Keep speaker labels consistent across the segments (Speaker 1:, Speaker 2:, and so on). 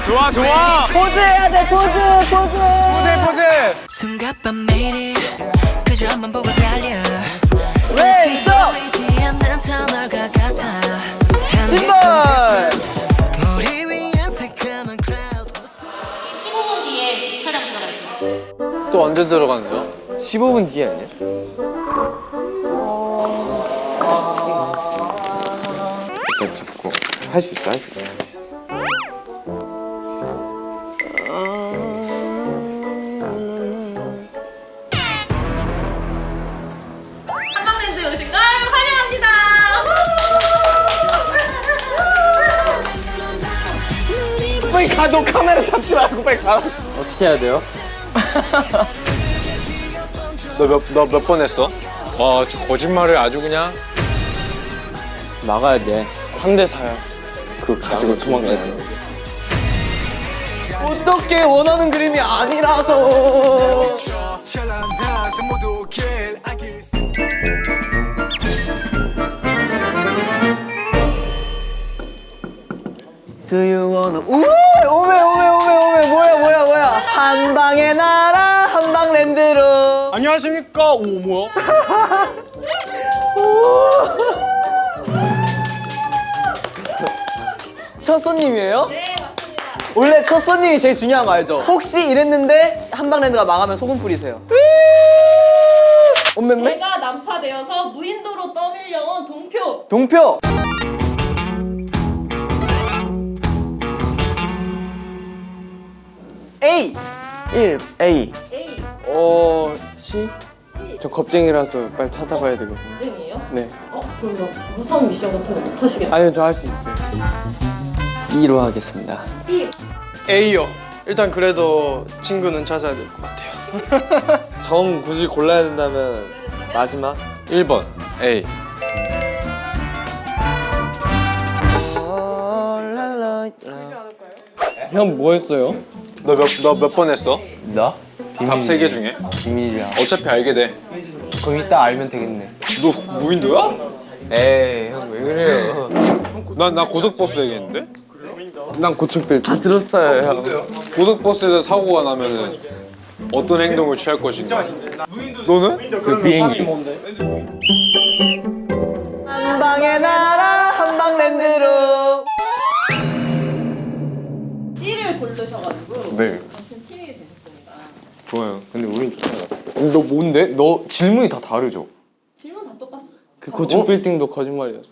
Speaker 1: 좋아 좋아.
Speaker 2: 포즈 해야 돼 포즈.
Speaker 1: 포즈.
Speaker 3: 숨가쁜 매일이 그저 앞만 보고 달려
Speaker 2: 왼쪽
Speaker 3: 않는 터널과 같아
Speaker 2: 신발.
Speaker 3: 우리 위한 새까만 클라우드
Speaker 4: 15분 뒤에 촬영 들어갈게요.
Speaker 1: 또 언제 들어갔네요?
Speaker 2: 15분 뒤에 아니야?
Speaker 5: 일단 잡고 할 수 있어 할 수 있어.
Speaker 4: 한방랜드에 오신 걸 환영합니다.
Speaker 2: 빨리 가. 너 카메라 잡지 말고 빨리 가. 어떻게 해야 돼요?
Speaker 1: 너 몇 번 했어? 와, 저 거짓말을 아주 그냥.
Speaker 2: 막아야 돼. 3대 4야. 그거 가지고 도망가야 돼. 어떻게 원하는 그림이 아니라서. Do you wanna 오메 뭐야 한방의 나라 한방랜드로.
Speaker 1: 안녕하십니까? 오, 뭐야?
Speaker 2: 첫 손님이에요? 네 맞습니다. 원래 첫 손님이 제일 중요한 거 알죠? 혹시 이랬는데 한방랜드가 망하면 소금 뿌리세요. 엄매매?
Speaker 4: 제가 난파되어서 무인도로 떠밀려온 동표.
Speaker 2: 동표. A 1 A.
Speaker 4: A
Speaker 2: C.
Speaker 4: C
Speaker 2: 저 겁쟁이라서 빨리 찾아봐야 되거든요.
Speaker 4: 전쟁이에요?
Speaker 2: 네.
Speaker 4: 그럼 뭐 무서운 미션 같은 거 못 하시겠네요.
Speaker 2: 아니요 저 할 수 있어요. B로 하겠습니다.
Speaker 4: B
Speaker 6: A요. 일단 그래도 친구는 찾아야 될 것 같아요.
Speaker 2: 정 굳이 골라야 된다면 마지막
Speaker 1: 1번 A.
Speaker 2: 형 뭐 했어요?
Speaker 1: 너 몇 번 했어?
Speaker 2: 나?
Speaker 1: 답 3개 중에?
Speaker 2: 비밀이야.
Speaker 1: 어차피 알게 돼.
Speaker 2: 그럼 이따 알면 되겠네.
Speaker 1: 너 무인도야?
Speaker 2: 에이 형 왜 그래요?
Speaker 1: 나 고속버스 얘기했는데?
Speaker 2: 난 고충필 다 들었어요 형.
Speaker 1: 고속버스에서 사고가 나면은 어떤 행동을 취할 것인가? 너는?
Speaker 2: 그 비행기. 한방의 나라 한방랜드로.
Speaker 4: C를 고르셔가지고
Speaker 2: 네.
Speaker 4: 같은 팀이 되셨습니다.
Speaker 2: 좋아요. 근데 우린 좋잖아. 너 뭔데? 너 질문이 다 다르죠?
Speaker 4: 질문 다 똑같어.
Speaker 2: 그 고층 빌딩도 거짓말이었어.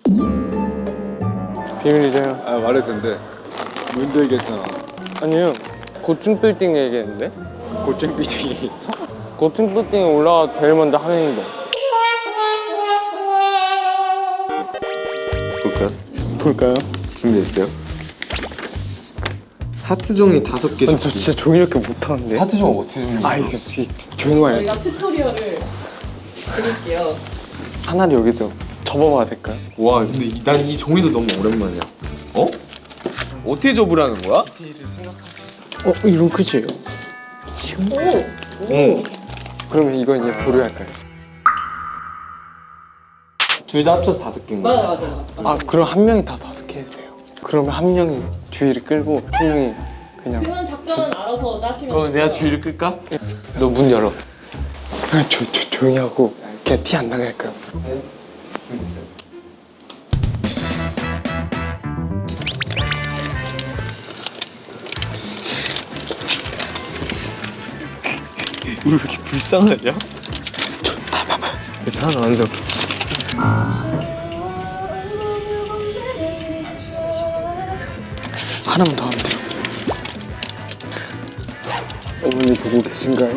Speaker 2: 비밀이죠 형.
Speaker 1: 아, 말해도 된대. 무인도 얘기했잖아.
Speaker 2: 아니요. 고층 빌딩 얘기했는데?
Speaker 1: 고층 빌딩 얘기했어?
Speaker 2: 고층 빌딩에 올라가 제일 먼저 하는 행동. 볼까요?
Speaker 5: 준비됐어요? 하트 종이 5개.
Speaker 2: 근데 저 진짜 종이 이렇게 못하는데?
Speaker 5: 하트 종 어떻게 준비?
Speaker 2: 아 이게 조용히 해.
Speaker 4: 저희가 튜토리얼을 드릴게요.
Speaker 2: 하나를 여기서 접어봐도 될까요?
Speaker 5: 와 근데 난 이 종이도 너무 오랜만이야. 어? 어떻게 접으라는 거야?
Speaker 2: 이런 끝이에요. 오. 그러면 이건 이제 보류할까요?
Speaker 5: 둘 다 합쳐서 5개인 거야.
Speaker 4: 맞아요.
Speaker 2: 아 그럼 한 명이 다 5개 해도 돼요. 그러면 한 명이 주의를 끌고 한 명이 그냥.
Speaker 4: 그건 작전은 알아서 짜시면
Speaker 5: 그럼
Speaker 4: 돼요.
Speaker 5: 내가 주의를 끌까?
Speaker 2: 너 문 열어. 조용히 하고 그냥 티 안 나게 할까요? 왜 이렇게 불쌍하냐? 봐봐. 그래서 하나 완성. 하나만 더 하면 돼요. 어머니 보고 계신가요?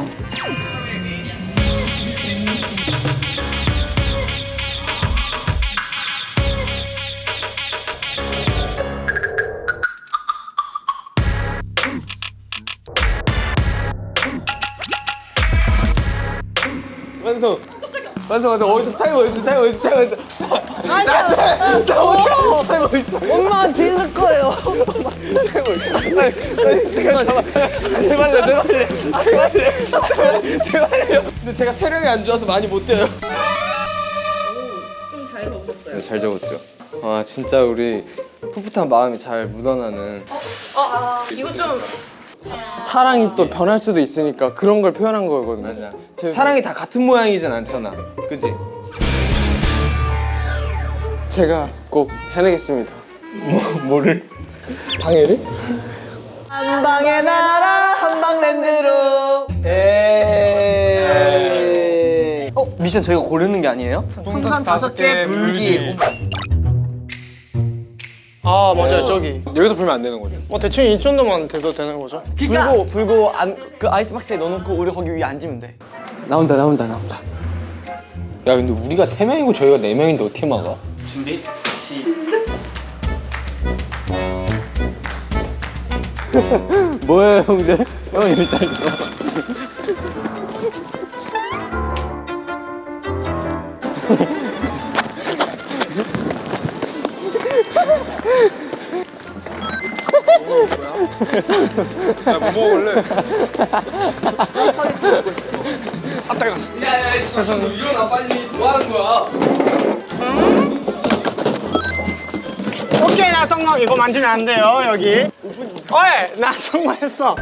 Speaker 2: 완성. 어디서 타이머 있어. 타이머 있어. 엄마 들을 거예요. 타이머 있어. 제발요. 근데 제가 체력이 안 좋아서 많이 못 뛰어요.
Speaker 4: 좀 잘 적으셨어요.
Speaker 5: 잘 적었죠?
Speaker 2: 아 진짜 우리
Speaker 5: 풋풋한 마음이 잘 묻어나는.
Speaker 4: 이거 좀
Speaker 6: 사랑이 또 변할 수도 있으니까 그런 걸 표현한 거거든요.
Speaker 5: 맞아. 사랑이 다 같은 모양이진 않잖아. 그치?
Speaker 6: 제가 꼭 해내겠습니다.
Speaker 5: 뭐를?
Speaker 6: 방해를?
Speaker 2: 한방의 나라 한방랜드로. 에이. 미션 저희가 고르는 게 아니에요? 풍선 5개 불기.
Speaker 6: 아 맞아요 저기.
Speaker 1: 여기서 풀면 안 되는 거죠.
Speaker 6: 뭐 대충 이 정도만 돼도 되는 거죠.
Speaker 2: 불고 그 아이스박스에 넣어놓고 우리 거기 위에 앉으면 돼.
Speaker 5: 나온다. 야 근데 우리가 3명이고 저희가 4명인데 어떻게 막아?
Speaker 2: 준비 시작.
Speaker 5: 뭐예요 형들? 형 일단
Speaker 1: 야, 뭐 먹을래?
Speaker 5: 일어나 빨리. 뭐 하는 거야?
Speaker 6: 오케이 나 성공. 이거 만지면 안 돼요 여기. 어이 나 성공했어.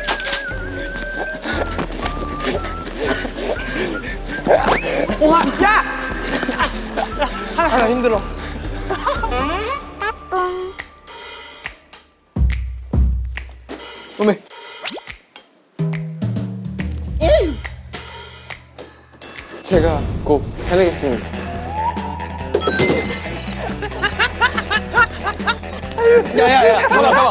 Speaker 6: 우와 야! 하나 힘들어.
Speaker 2: 어메.
Speaker 6: 제가 꼭 해내겠습니다. 야야야 잡아.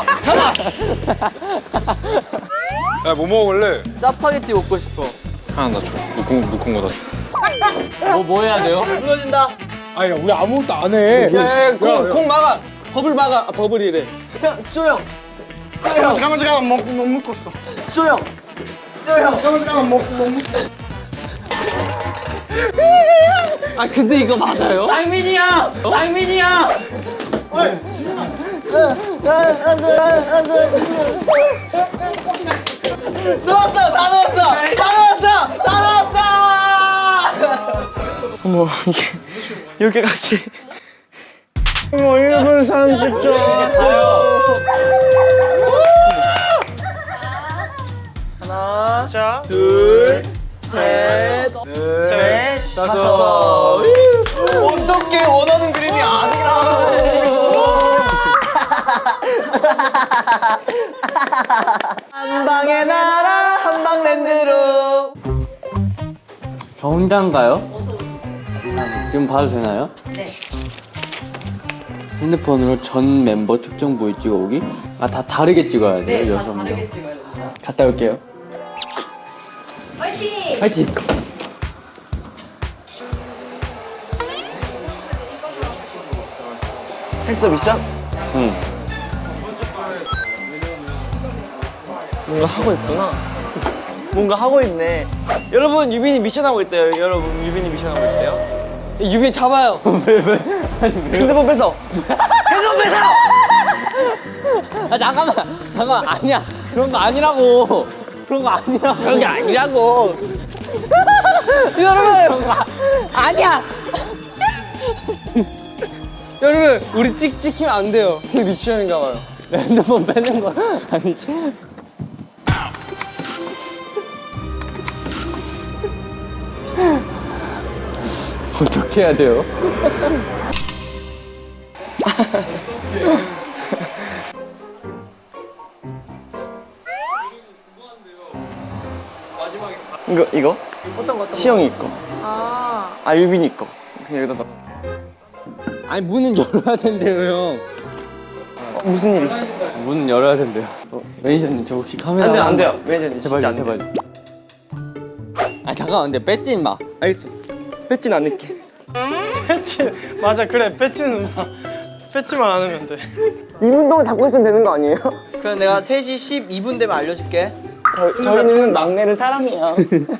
Speaker 1: 야, 뭐 먹을래?
Speaker 2: 짜파게티 먹고 싶어.
Speaker 1: 하나 나 줘. 묶은 거 다 줘.
Speaker 5: 뭐 해야 돼요?
Speaker 2: 무너진다.
Speaker 1: 아니, 야, 우리 아무것도 안 해.
Speaker 6: 공 막아. 버블 막아. 아, 버블이래.
Speaker 2: 형, 쇼형.
Speaker 6: 잠깐만 못 묶었어.
Speaker 2: 쇼형. 쇼형.
Speaker 6: 잠깐만 못 묶었어.
Speaker 2: 아 근데 이거 맞아요?
Speaker 5: 상민이 형!
Speaker 2: 넣었어! 다 넣었어!
Speaker 6: 어머 이게 이렇게까지. 어머 1분 30초.
Speaker 2: 하나,
Speaker 6: 자,
Speaker 2: 둘, 셋, 넷, 다섯. 어떻게 원하는 그림이 아니라. 한방의 나라 한방랜드로.
Speaker 5: 저 혼자인가요? 지금 봐도 되나요?
Speaker 4: 네.
Speaker 5: 핸드폰으로 전 멤버 특정 부위 찍어오기? 아 다 다르게 찍어야 돼요?
Speaker 4: 네, 다
Speaker 5: 6명?
Speaker 4: 다르게 찍어야 됩니다.
Speaker 5: 갔다 올게요.
Speaker 4: 화이팅!
Speaker 5: 파이팅!
Speaker 2: 했어 미션?
Speaker 5: 응.
Speaker 2: 뭔가 하고 있구나. 뭔가 하고 있네. 여러분 유빈이 미션 하고 있대요. 여러분 유빈이 미션 하고 있대요. 유빈 잡아요. 왜? 핸드폰 뺏어. 핸드폰 뺏어.
Speaker 5: 아 잠깐만 아니야 그런 거 아니라고 그런 거 아니라고
Speaker 2: 여러분
Speaker 5: 아니야
Speaker 6: 여러분 우리 찍히면 안 돼요. 이게 미션인가 봐요.
Speaker 5: 핸드폰 빼는 거 아니지? 어떻게 해야 돼요?
Speaker 2: 이거? 어떤 거? 시영이 거. 아 유빈이 거. 그냥 여기다 넣어.
Speaker 5: 아니 문은 열어야 된대요 형.
Speaker 2: 무슨 일 있어?
Speaker 5: 문은 열어야 된대요. 매니저님 저 혹시 카메라
Speaker 2: 안 돼요. 매니저님
Speaker 5: 제발
Speaker 2: 진짜 안
Speaker 5: 제발.
Speaker 2: 돼요.
Speaker 5: 아 잠깐만 근데 뺏지 마.
Speaker 2: 알겠어. 뺏진 않을게.
Speaker 6: 패치 맞아 그래 패치는 패치만 안 하면 돼.
Speaker 2: 2분 동안 잡고 있으면 되는 거 아니에요? 그럼 내가 3시 12분 되면 알려줄게. 저희는 막내를 사랑해요.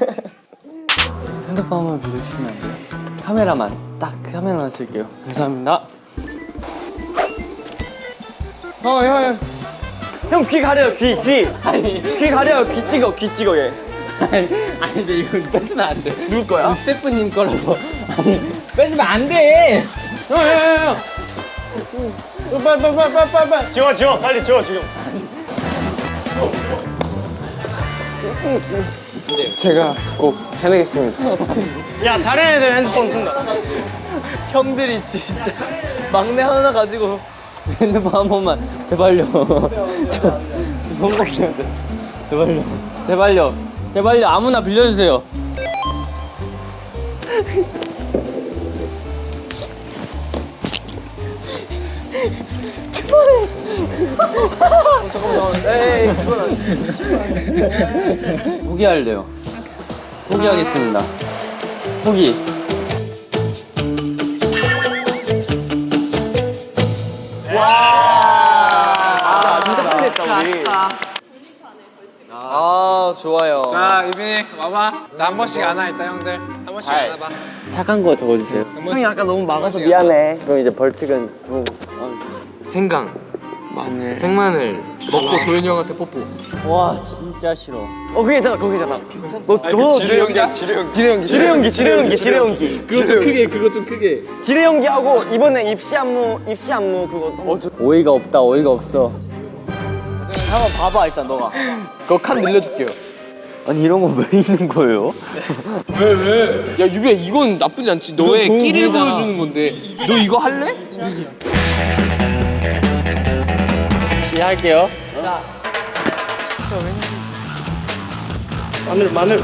Speaker 5: 핸드폰만 빌려주시면 안 돼요? 카메라만 딱 카메라만 쓸게요. 감사합니다.
Speaker 2: 형 귀 가려요 귀. 귀 가려요. 귀 찍어 얘.
Speaker 5: 아니 근데 이거 뺏으면 안 돼.
Speaker 2: 누구 거야?
Speaker 5: 스태프님 거라서. 아니 뺏으면 안 돼. 형.
Speaker 6: 빨리. 지워 빨리 지워 지금.
Speaker 5: 제가 꼭 해내겠습니다.
Speaker 6: 야 다른 애들 핸드폰 쓴다.
Speaker 2: 형들이 진짜 막내 하나 가지고 핸드폰 한 번만 제발요. 저 성공해야 돼. 제발요. 제발요. 제발요. 아무나 빌려주세요. 포기할래요. 포기하겠습니다. 포기. 진짜 포기했다 우리. 아 좋아요.
Speaker 1: 자 유빈이 와봐. 자 한 번씩 안아 일단 형들. 한 번씩 안아봐.
Speaker 2: 착한 거 적어주세요. 형이 아까 너무 막아서 미안해. 그럼 이제 벌칙은 좀.
Speaker 5: 생강, 마늘, 생마늘 먹고 도현이 형한테 뽀뽀.
Speaker 2: 와 진짜 싫어. 거기잖아 거기잖아. 너
Speaker 1: 지뢰 연기야 지뢰 연기.
Speaker 2: 지뢰 연기.
Speaker 5: 그거 좀 크게, 그거 좀 크게.
Speaker 2: 지뢰 연기하고 이번에 입시 안무 그거. 어이가 없다 어이가 없어. 한번 봐봐 일단 너가.
Speaker 5: 그거 칸 늘려줄게요.
Speaker 2: 아니 이런 거 왜 있는 거예요?
Speaker 5: 야 유비야 이건 나쁘지 않지. 너의 끼를 보여주는 건데. 너 이거 할래?
Speaker 2: 할게요.
Speaker 6: 마늘.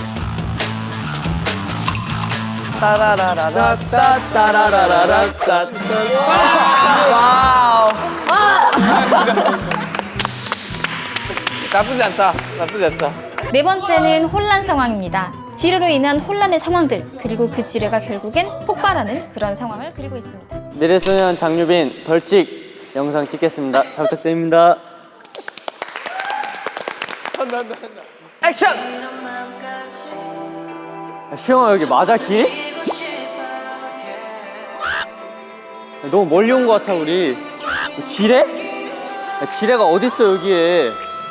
Speaker 2: 따라라라라따따라라라따. 와우.
Speaker 5: 나쁘지 않다. 나쁘지 않다.
Speaker 7: 네 번째는 혼란 상황입니다. 지뢰로 인한 혼란의 상황들, 그리고 그 지뢰가 결국엔 폭발하는 그런 상황을 그리고 있습니다.
Speaker 2: 미래소년 장유빈 벌칙 영상 찍겠습니다. 잘 부탁드립니다. 액션! 시영아 여기 맞아 길? 너무 멀리 온 것 같아 우리. 지뢰? 지뢰가 어딨어 여기에.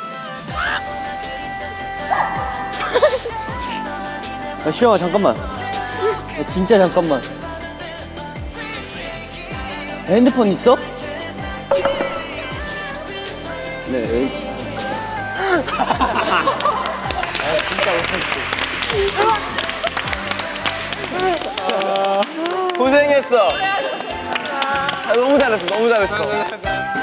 Speaker 2: 시영아 잠깐만. 진짜 잠깐만. 핸드폰 있어? 네. 고생했어. 너무 잘했어. 너무 잘했어.